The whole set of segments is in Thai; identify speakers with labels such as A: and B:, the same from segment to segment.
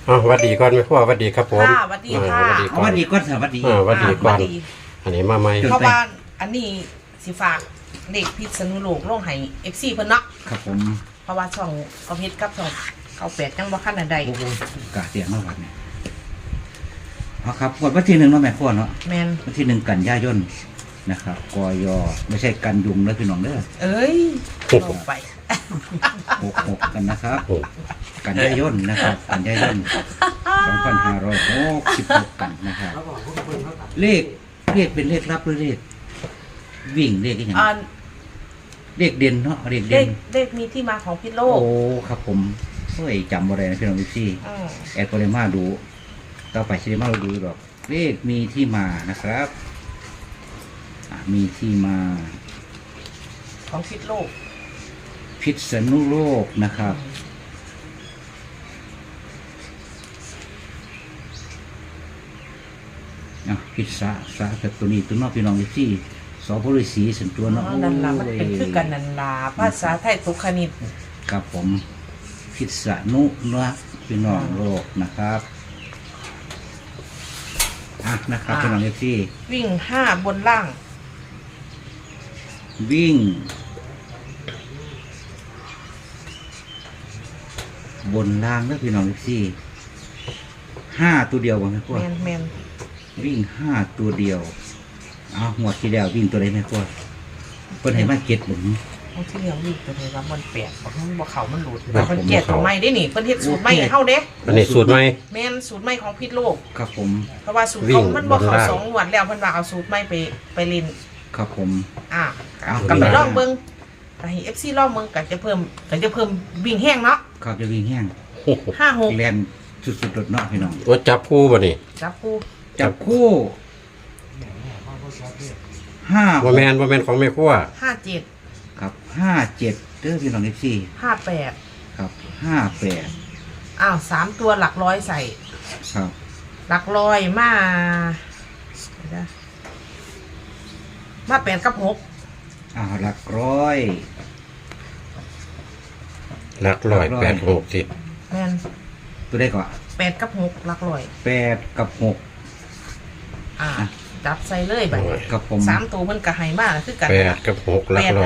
A: สวัสดีก่อนแม่พ่อสวัสดีครับผม
B: ค่ะสวัสดีค่ะ
A: สวัสดี
C: เอา
A: ก่อน
C: วันดีก่อนสวัสดี
A: สวัสดีก่อนอันนี้มาใหม่
B: เพราะว่าอันนี้สิฝากเด็กพิษณุโลกลงให้ FC เพิ่นเนาะ
C: ครับผม
B: เพราะว่าช่องเอาเพชรกับช่องเอาแปดจังบ่คันอันใด
C: โอ้โหกาเสียงมากเนี่ยเอาครับวันที่หนึ่งเนาะแม่พ่อเนาะ
B: แม่น
C: วันที่หนึ่งกันยายนนะครับกยไม่ใช่กันยุงแล้วพี่น้องเด้อ
B: เอ้ยลงไป
C: 66กันนะครับ
A: โอ้
C: กันยายนนะครับกันยายน2566กันนะครับเลขเป็นเลขลับหรือเลขวิ่งเลขอย่าง
B: อ่า
C: เลขเด่นเนาะเลข
B: เล
C: เด่
B: ข
C: น
B: เลขมีที่มาของพิษโลก
C: โอ้ครับผมเฮ้ยจำบ่ได้นะพี่น้องพี่
B: อืม
C: แอดก็เลยมาดูต่อไปซิมาดูหรอกเลขมีที่มานะครับมีที่มา
B: ของพิษโลก
C: พิษณุโลกนะครับพิษสะแบบตัวนี้ตัวนอกพี่น้องที่สอบริสีสันตัวเนาะ
B: นั่นล่ะมันเป็นคือกันนั่นล่ะภาษาไทยตุกคณิต
C: ครับผมพิษณุนะพี่น้องโลกนะครับนะครับพี่น้องที่
B: วิ่ง5บนล่าง
C: วิ่งบนล่างแล้วพี่น้องที่5ตัวเดียวบ่แม่พ่อ
B: แม่น
C: วิ่ง5ตัวเดียวหมดที่แล้ววิ่งตัวใดแม่พ่อเพิ่นให้มาเก็ตหมุน
B: บางทีเรื่องวิ่งตัวนี้ว่ามันแปลกบ่เข้ามันหลุด
C: ครับ
B: เพิ่นแก้ตัวใหม่ได้นี่เพิ่นเฮ็ดสูตรใหม่ให้เฮาเด้
A: อันนี้สูตรใหม่
B: แม่นสูตรใหม่ของพิษโลก
C: ครับผม
B: เพราะว่าสูตร
A: วิ่
B: เขา
A: ง
B: มันบ่
A: บน
B: เขา
A: ล่าง
B: 2งวดแล้วเพิ่นว่าเอาสูตรใหม่ไปเล่น
C: ครับผม เอา
B: ก็ไปลองเบิ่งก็ให้ FC ลองเบิ่งก็จะเพิ่มวิ่งแห้งเนาะ
C: ครับจะวิ่งแห้ง
B: 56
C: แลนสุดๆรถเนาะพี่น้อง
A: ว่าจับคู่บ่นี่
B: จับคู่
C: จับคู่5
A: ว่าแมนของแม่พ่อ
B: 57
C: ครับ57เด้อพี่น้องที่
B: 58
C: ครับ58
B: อ้าว3ตัวหลักร้อยใส่
C: ครับ
B: หลักร้อยมาเดี๋ยวนะมา8กับ6
C: หลักร้อย
A: หลักร้อย8 6 10
B: แม่น
C: ตัวได้ก่อน
B: 8กับ6หลักร้อย
C: 8กับ6
B: จับใส่เลยบัดนี้
C: ครับผม
B: 3ตัวมันก็ให้มาคือกัน
A: 8 กับ 6หลักร้อย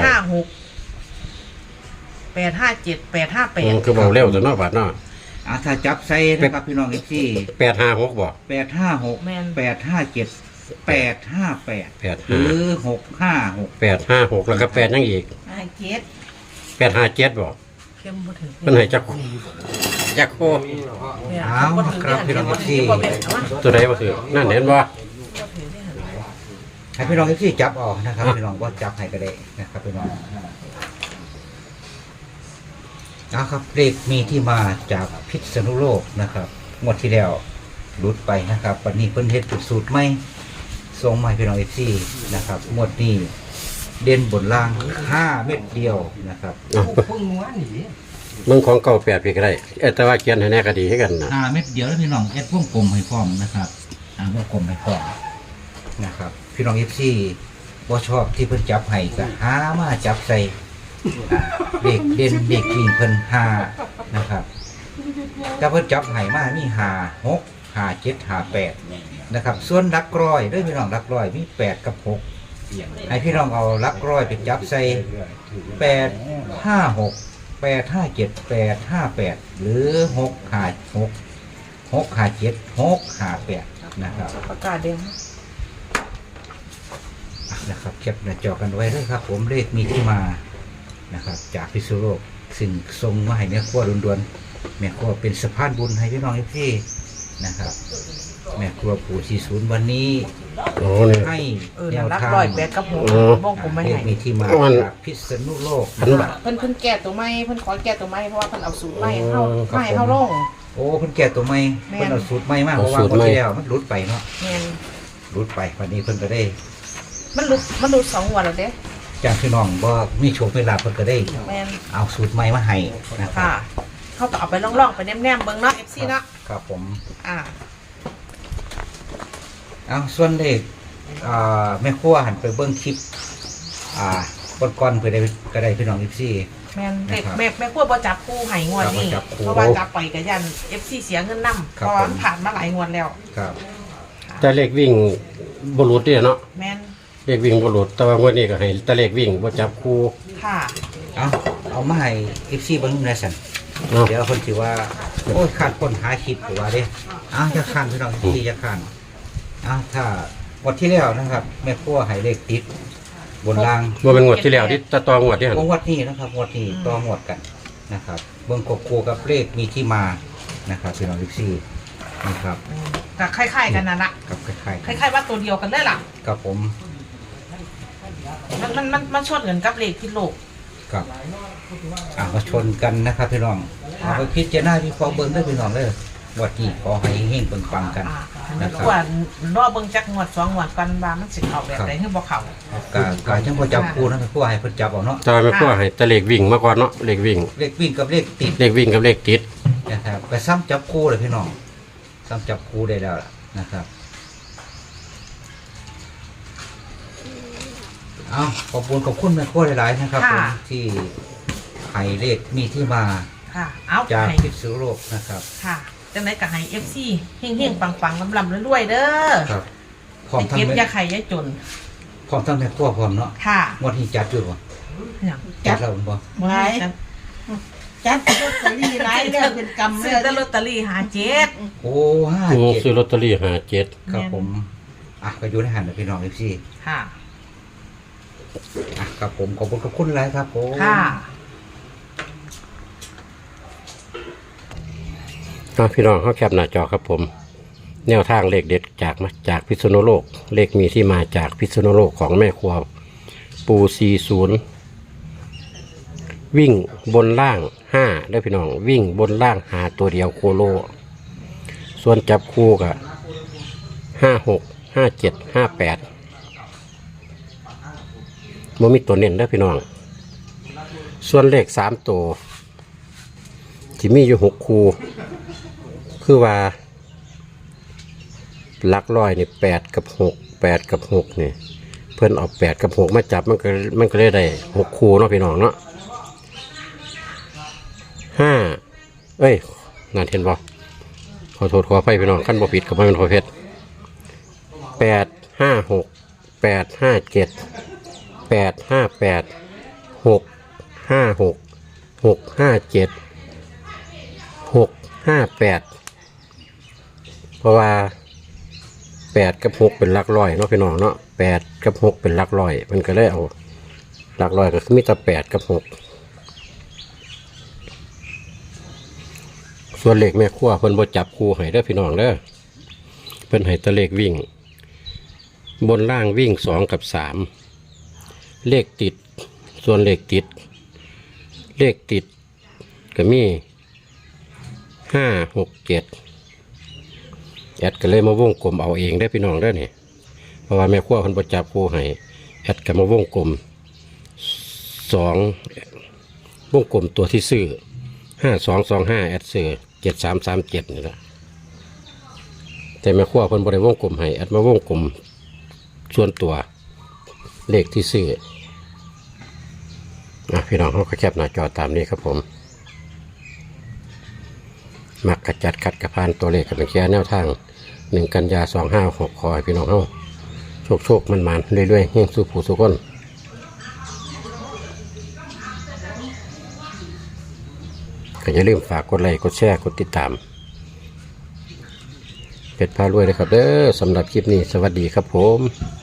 B: 856 857
A: คือเบาเร็วตัวเนาะบาดเนาะ
C: ถ้าจับใส่นะครับพี่น้องที่
A: 856บ่
C: 856 857 858 หรือ 656
A: 856แล้วก็8ยังอีก
B: 57
A: 857บ่
B: เข้มบ่ถึง
A: เพิ่นให้จักคู่
C: เอาครับพี่น้องที่
A: ตัวใดบ่ถือนั่นเห็นบ่
C: ให้พี่น้องที่จับออกนะครับพี่น้องว่าจับให้ก็ได้นะครับพี่น้องนะครับเลขมีที่มาจากพิษณุโลกนะครับงวดที่แล้วหลุดไปนะครับวันนี้เพิ่นเฮ็ดเป็นสูตรใหม่ส่งมาให้พี่น้องที่นะครับงวดนี้เด่นบนล่าง5เม็ดเดียวนะครับ
A: มึงของเก่า8พี่ก็ได้แต่ว่าเขียนให้แน่ก็ดีให้กันนะ
C: 5เม็ดเดียวแล้วพี่น้องแอดวงกลมให้พร้อมนะครับวงกลมให้พร้อมนะครับพี่น้องบ่ชอบที่เพิ่นจับให้ก็หามาจับใส่เด็กเด่นเด็กวิ่งเพิ่น5นะครับแต่เพิ่นจับให้มามี5 6 5 7 5 8นะครับส่วนหลักร้อยด้วยพี่น้องหลักร้อยมี8กับ6ให้พี่น้องเอาหลักร้อยไปจับใส่8 5 6 8 5 7 8 5 8หรือ6 5 6 6 5 7 6 5 8นะครับ
B: ประกาศเดียว
C: นะครับเก็บหน้าจอกันไว้ด้วยครับผมเลขมีที่มานะครับจากพิษณุโลกซึ่งทรงมาให้แม่ครัวด่วนๆแม่ครัวเป็นสะพานบุญให้พี่น้องที่นะครับแม่ครัวปู่40วันนี้
A: โอ้นี่
C: ให้แน
B: นั่น
C: ว
B: รัก
C: ทาง
B: ร้อย8กับ6วงกลมไม่
C: เลข
B: ให้
C: มีที่มาจากพิษณุโลก
A: อันบ่
B: เพิ่นแก้ตัวใหม่เพิ่นขอแก้ตัวใหม่เพราะว่าเพิ่นเอาสูตรใหม่ให้เฮาลง
C: โอ้เพิ่นแก่ตัวใหม่
B: แม่น
C: เพิ่นเอาสูตรใหม่มากเพราะว่าคนที่แล้วมันหลุดไปเนาะ
B: แม่น
C: หลุดไปวันนี้เพิ่นก็ได้
B: มันหลุด2งวดแล้วเด้
C: จากพี่น้องบ่มีโชคมีลาภเพิ่นก็ได้
B: แม่น
C: เอาสูตรใหม่มาให้นะครับ
B: ค่ะเขาก็เอาไปล่องๆไปแนมๆเบิ่งเนาะ FC เนาะ
C: ครับผม เอาส่วนเลขแม่ครัวหันไปเบิ้งคลิปก่อนๆเพื่อได้ก็ได้พี่น้องอีซี่
B: แม่น
C: นะครับ
B: แม่ขั้วบ่จับคู่ให้งวดนี้
C: ครับบ่จับคู่
B: เพราะว่าจับไปก็ยัน FC เสียเงินนำ
C: ครับ
B: เพราะมันผ่านมาหลายงวดแล้ว
C: ครับ
A: แต่เลขวิ่งบ่หลุดเด้เนาะ
B: แม่น
A: เลขวิ่งบ่หลุดแต่ว่างวดนี้ก็ให้แต่เลขวิ่งบ่จับคู่
B: ค่ะ
C: เอามาให้ FC เบิ่งหน่อยสั่น
A: เนาะ
C: เดี๋ยวคนสิว่าโอ้ยขาดคนหาคิดหรือว่าเด้จะข้านพี่น้องที่จะข้านถ้างวดที่แล้วนะครับ แม่ครัวให้เลขติดบนล่าง
A: บ่เป็นงวดที่แล้วที่ตะตองวดที่หั่น
C: งวดนี้นะครับงวดนี้ต่องวดกันนะครับเบิ่งกบคูกับเลขมีที่มานะครับพี่น้อง14นะครับ
B: ก็คล้ายๆกันนั่นล่ะ
C: กับคล้าย
B: คล้ายๆว่าตัวเดียวกันเลยล่ะ
C: ๆกับผม
B: มันชดเงินกับเลขที่โลก
C: กับมาชนกันนะครับพี่น้องเอาไปพิจารณาวิเคราะห์เบิ่งได้พี่น้องเลยงวดนี้ขอให้เฮงๆปังๆกัน นะครับ
B: ว่ารอเบิ่งจักงวด2งวดกันว่ามันสิเข้าแบบใดคือบ่เข้า
C: กาจังพอจับคูนะแม่ครัวให้เพิ่นจับเอาเนาะ
A: แต่ว่าแม่ครัวให้แต่เลขวิ่งมาก่อนเนาะเลขวิ่ง
C: เลขวิ่งกับเลขติด
A: เลขวิ่งกับเลขติด
C: นะครับไปซ้ำจับคู่เลยพี่น้องซ้ำจับคู่ได้แล้วล่ะนะครับเอาขอบคุณแม่ครัวหลายๆนะครับผมที่ให้เลขมีที่มา
B: ค่ะ เอา
C: จาก
B: ให้
C: พิษณุโลกนะครับ
B: ค่ะจังได๋ก็ให้ FC เฮงๆปังๆลำๆรวยๆเด้อ
C: ครับพร้อม
B: ให้
C: ทั้ง
B: เก็บ
C: แม่
B: อยาไข่อยาจน
C: พร้อมทั้งแม่ครัวพร้อมเนาะ
B: ค่ะ
C: งวดนี้จัดอยู่บ่
B: หยัง
C: จัดแล้วบ่
D: ไว้จัดลอตเตอรี่หลายเรื่องเป็นกรรม
B: ซื้
D: เล
B: อย แต่ลอตเตอรี่57
C: โอ้
A: ซื้อ
C: 57
A: ลอตเตอรี่57
C: ครับผมก็อยู่ในหันนะพี่น้องพี่
B: ค่ะ
C: ครับผมขอบคุณหลายครับผม
B: ค่ะ
A: พี่น้องเขาแคปหน้าจอครับผม แนวทางเลขเด็ดจากพิษณุโลก เลขมีที่มาจากพิษณุโลกของแม่ครัวปู40วิ่งบนล่าง5ได้พี่น้องวิ่งบนล่างหาตัวเดียวโคโล ส่วนจับคู่กับ56 57 58มันมีตัวเน้นได้พี่น้อง ส่วนเลข3ตัวที่มีอยู่6คู่คือว่าหลักร้อยนี่8 กับ 6 8 กับ 6นี่เพื่อนเอา8 กับ 6มาจับมันก็เลยได้6คู่เนาะพี่น้องเนาะ5งานเห็นบ่ขอโทษขออภัยพี่น้องขั้นบ่ผิดกับมันประเภท8 5 6 8 5 7 8 5 8 6 5 6 6 5 7 6 5 8เพราะว่า8 กับ 6เป็นหลักร้อยเนาะพี่น้องเนาะ8 กับ 6เป็นหลักร้อยมันก็เลยเอาหลักร้อยก็คือมีแต่8 กับ 6ส่วนเลขแม่ครัวเพิ่นบ่จับคู่ให้เด้อพี่น้องเด้อเพิ่นให้แต่เลขวิ่งบนล่างวิ่ง2 กับ 3เลขติดส่วนเลขติดก็มี5 6 7แอดก็เลยมาวงกลมเอาเองได้พี่น้องได้เนี่ยเพราะว่าแม่ครัวคนประจับคู่ให้แอดก็มาวงกลม2วงกลมตัวที่ซื้อ5225แอดซื้อ7337นี่แหละแต่แม่ครัวคนบริวงกลมให้แอดมาวงกลมส่วนตัวเลขที่ซื้อพี่น้องเขาก็แคปหน้าจอตามนี้ครับผมมักกระจัดขัดกระพานตัวเลขกับเป็นแค่แนวทาง1 กันยา2566ขอให้พี่น้องเขาโชคมันเรื่อยๆเฮงสู้ผู้สู้คนก็อย่าลืมฝากกดไลค์กดแชร์กดติดตามเป็ดพารวยเลยครับเด้อสำหรับคลิปนี้สวัสดีครับผม